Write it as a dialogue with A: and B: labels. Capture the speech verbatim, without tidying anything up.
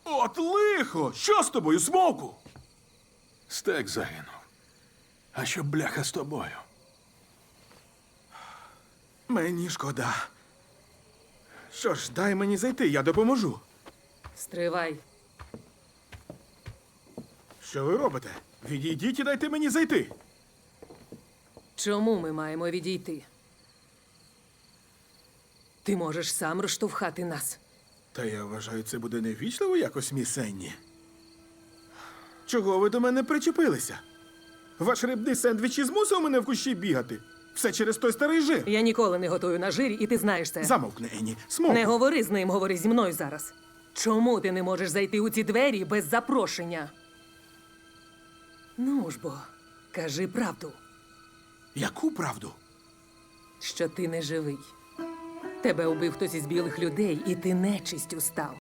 A: От лихо! Що з тобою, Смоуку?
B: Стек загинув. А що бляха з тобою?
A: Мені шкода. Що ж, дай мені зайти, я допоможу.
C: Стривай.
A: Що ви робите? Відійдіть і дайте мені зайти.
C: Чому ми маємо відійти? Ти можеш сам розштовхати нас.
A: Та я вважаю, це буде невічливо якось, міс Енні. Чого ви до мене причепилися? Ваш рибний сендвіч і змусив мене в кущі бігати. Все через той старий жир.
C: Я ніколи не готую на жирі, і ти знаєш це.
A: Замовкни, Енні. Смоуку.
C: Не говори з ним, говори зі мною зараз. Чому ти не можеш зайти у ці двері без запрошення? Ну ж бо, кажи правду,
A: Яку правду?
C: що ти не живий. Тебе убив хтось із білих людей, і ти нечистю став.